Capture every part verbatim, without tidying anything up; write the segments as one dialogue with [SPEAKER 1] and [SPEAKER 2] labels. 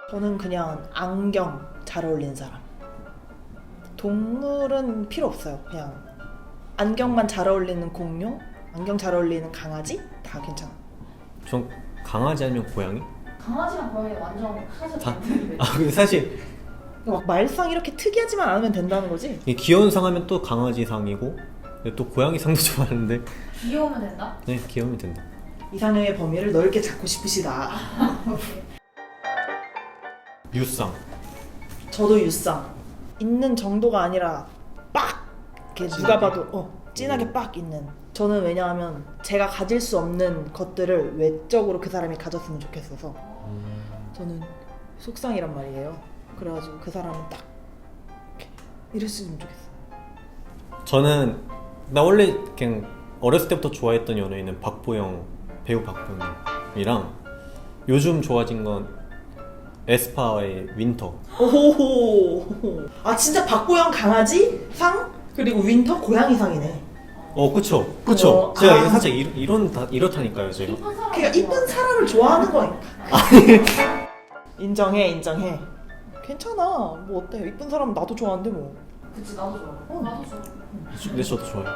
[SPEAKER 1] 저는 그냥 안경 잘 어울리는 사람. 동물은 필요 없어요. 그냥 안경만 잘 어울리는 공룡, 안경 잘 어울리는 강아지 다 괜찮아.
[SPEAKER 2] 전 강아지 아니면 고양이?
[SPEAKER 3] 강아지랑 고양이 완전 사실
[SPEAKER 2] 다-
[SPEAKER 3] 반대인데.
[SPEAKER 2] 아 근데 사실
[SPEAKER 1] 막 말상 이렇게 특이하지만 않으면 된다는 거지.
[SPEAKER 2] 이 귀여운 상 하면 또 강아지 상이고 근데 또 고양이 상도 좋아하는데
[SPEAKER 3] 귀여우면 된다?
[SPEAKER 2] 네 귀여우면 된다.
[SPEAKER 1] 이상형의 범위를 넓게 잡고 싶으시다.
[SPEAKER 2] 유상.
[SPEAKER 1] 저도 유쌍. 있는 정도가 아니라 빡! 이렇게 누가 봐도 어, 진하게 빡 있는. 저는 왜냐하면 제가 가질 수 없는 것들을 외적으로 그 사람이 가졌으면 좋겠어서 저는 속상이란 말이에요. 그래가지고 그 사람은 딱 이렇게 이랬으면 좋겠어.
[SPEAKER 2] 저는 나 원래 그냥 어렸을 때부터 좋아했던 연예인은 박보영, 배우 박보영이랑 요즘 좋아진 건 에스파의 윈터.
[SPEAKER 1] 오호호. 아 진짜 박보영 강아지 상 그리고 윈터 고양이 상이네.
[SPEAKER 2] 어 그쵸 그쵸.
[SPEAKER 1] 어,
[SPEAKER 2] 제가
[SPEAKER 1] 아.
[SPEAKER 2] 이거 살짝 이, 이런 다, 이렇다니까요 제가.
[SPEAKER 3] 이쁜 사람
[SPEAKER 1] 그러니까 이쁜 사람을 좋아하는 거니까. 인정해 인정해. 괜찮아. 뭐 어때? 이쁜 사람 나도 좋아하는데 뭐.
[SPEAKER 3] 그치 나도 좋아. 어, 나도 좋아.
[SPEAKER 2] 근데 저도 좋아요.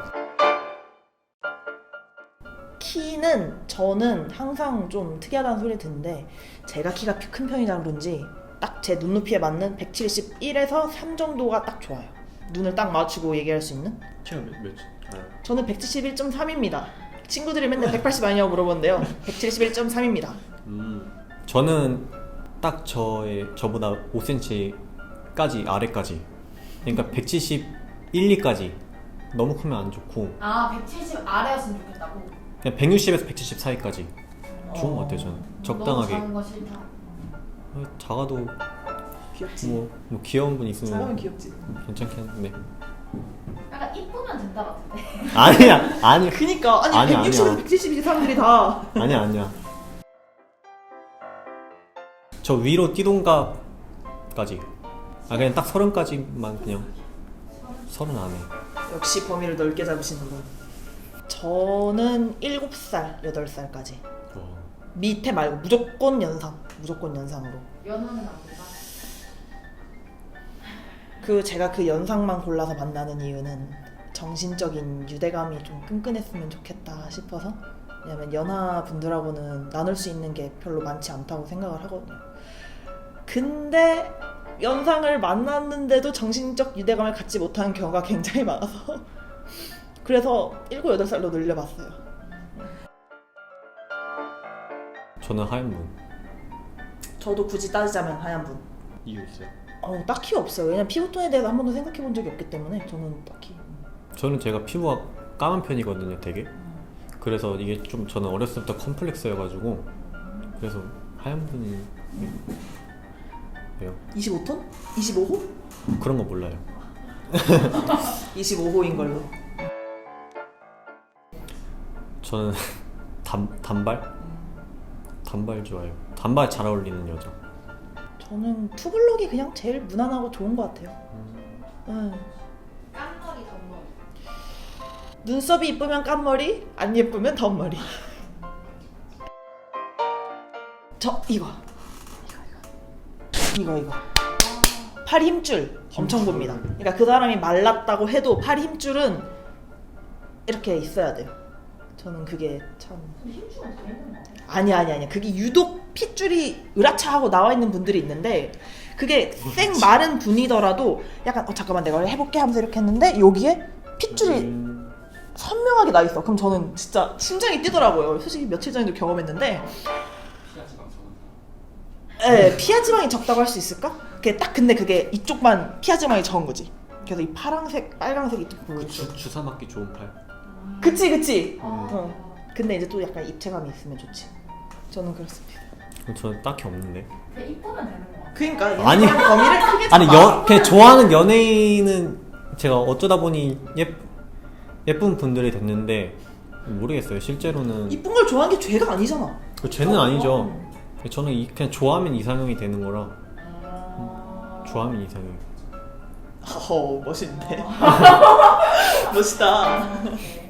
[SPEAKER 1] 키는 저는 항상 좀 특이하다는 소리 듣는데 제가 키가 큰 편이라 그런지 딱 제 눈높이에 맞는 백칠십일에서 삼 정도가 딱 좋아요. 눈을 딱 맞추고 얘기할 수 있는?
[SPEAKER 2] 제가 몇, 몇 알아요?
[SPEAKER 1] 저는 백칠십일 점 삼입니다. 친구들이 맨날 백팔십 아니냐고 물어보는데요. 백칠십일 점 삼입니다.
[SPEAKER 2] 음 저는 딱 저의 저보다 오 센티미터까지 아래까지. 그러니까 백칠십일, 이까지 너무 크면 안 좋고
[SPEAKER 3] 아 백칠십 아래였으면 좋겠다고?
[SPEAKER 2] 그냥 백육십에서 백칠십 사이까지 좋은
[SPEAKER 1] 어.
[SPEAKER 2] 것 같아요 저는.
[SPEAKER 3] 너무
[SPEAKER 2] 적당하게.
[SPEAKER 3] 작은 거 싫다.
[SPEAKER 2] 어, 작아도
[SPEAKER 1] 귀엽지?
[SPEAKER 2] 뭐, 뭐 귀여운 분 있으면
[SPEAKER 1] 작으면 귀엽지.
[SPEAKER 2] 괜찮긴 한데.
[SPEAKER 3] 약간 이쁘면 된다 같은데.
[SPEAKER 2] 아니야 아니
[SPEAKER 1] 그니까 아니
[SPEAKER 2] 아니야,
[SPEAKER 1] 백육십에서
[SPEAKER 2] 아니야.
[SPEAKER 1] 백칠십이 사람들이 다
[SPEAKER 2] 아니야 아니야. 저 위로 띠동갑까지. 아 그냥 딱 서른까지만 그냥 서른 안에.
[SPEAKER 1] 역시 범위를 넓게 잡으시는군. 저는 일곱 살, 여덟 살까지
[SPEAKER 2] 와.
[SPEAKER 1] 밑에 말고 무조건 연상. 무조건 연상으로.
[SPEAKER 3] 연하는 안 된다.
[SPEAKER 1] 그 제가 그 연상만 골라서 만나는 이유는 정신적인 유대감이 좀 끈끈했으면 좋겠다 싶어서. 왜냐면 연하 분들하고는 나눌 수 있는 게 별로 많지 않다고 생각을 하거든요. 근데 연상을 만났는데도 정신적 유대감을 갖지 못하는 경우가 굉장히 많아서 그래서 일곱, 여덟 살로 늘려봤어요.
[SPEAKER 2] 저는 하얀 분.
[SPEAKER 1] 저도 굳이 따지자면 하얀 분.
[SPEAKER 2] 이유 있어요?
[SPEAKER 1] 어, 딱히 없어요. 왜냐면 피부톤에 대해서 한 번도 생각해 본 적이 없기 때문에 저는 딱히.
[SPEAKER 2] 저는 제가 피부가 까만 편이거든요 되게. 그래서 이게 좀 저는 어렸을 때부터 컴플렉스여가지고 그래서 하얀 분이 왜요?
[SPEAKER 1] 이십오 톤? 이십오 호?
[SPEAKER 2] 그런 거 몰라요.
[SPEAKER 1] 이십오 호인 걸로.
[SPEAKER 2] 저는 단, 단발? 단발 좋아해요. 단발 잘 어울리는 여자.
[SPEAKER 1] 저는 투블럭이 그냥 제일 무난하고 좋은 것 같아요. 응.
[SPEAKER 3] 깐머리 덧머리.
[SPEAKER 1] 눈썹이 이쁘면 깐머리, 안 예쁘면 덧머리. 저 이거 이거 이거 이거 팔 힘줄 엄청 봅니다. 그러니까 그 사람이 말랐다고 해도 팔 힘줄은 이렇게 있어야 돼요. 저는 그게 참
[SPEAKER 3] 근데 힘주면 다 있는 거 같아.
[SPEAKER 1] 아니 아니 아니 그게 유독 핏줄이 으라차하고 나와 있는 분들이 있는데 그게 생 마른 분이더라도 약간 어 잠깐만 내가 해볼게 하면서 이렇게 했는데 여기에 핏줄이
[SPEAKER 2] 음,
[SPEAKER 1] 선명하게 나 있어. 그럼 저는 진짜 심장이 뛰더라고요. 솔직히 며칠 전에도 경험했는데. 네, 피하 지방이 적다고 할 수 있을까? 그게 딱 근데 그게 이쪽만 피하 지방이 적은 거지. 그래서 이 파란색, 빨간색 이쪽 보여.
[SPEAKER 2] 그 주, 주사 맞기 좋은 팔.
[SPEAKER 1] 그치 그치.
[SPEAKER 3] 어.
[SPEAKER 1] 어. 근데 이제 또 약간 입체감이 있으면 좋지. 저는 그렇습니다.
[SPEAKER 2] 저는 딱히 없는데.
[SPEAKER 3] 그냥 이쁘면 되는 거 같아.
[SPEAKER 1] 그러니까
[SPEAKER 2] 아니.
[SPEAKER 1] 얘네가 범위를 크게
[SPEAKER 2] 아니
[SPEAKER 1] 잡아.
[SPEAKER 2] 여, 그냥 좋아하는 연예인은 제가 어쩌다 보니 예, 예쁜 분들이 됐는데 모르겠어요. 실제로는
[SPEAKER 1] 이쁜 걸 좋아하는 게 죄가 아니잖아.
[SPEAKER 2] 그 죄는 아니죠.
[SPEAKER 1] 어.
[SPEAKER 2] 저는 이, 그냥 좋아하면 이상형이 되는 거라.
[SPEAKER 3] 아...
[SPEAKER 2] 좋아하면 이상형.
[SPEAKER 1] 허 멋있네. 멋있다.
[SPEAKER 3] 오케이.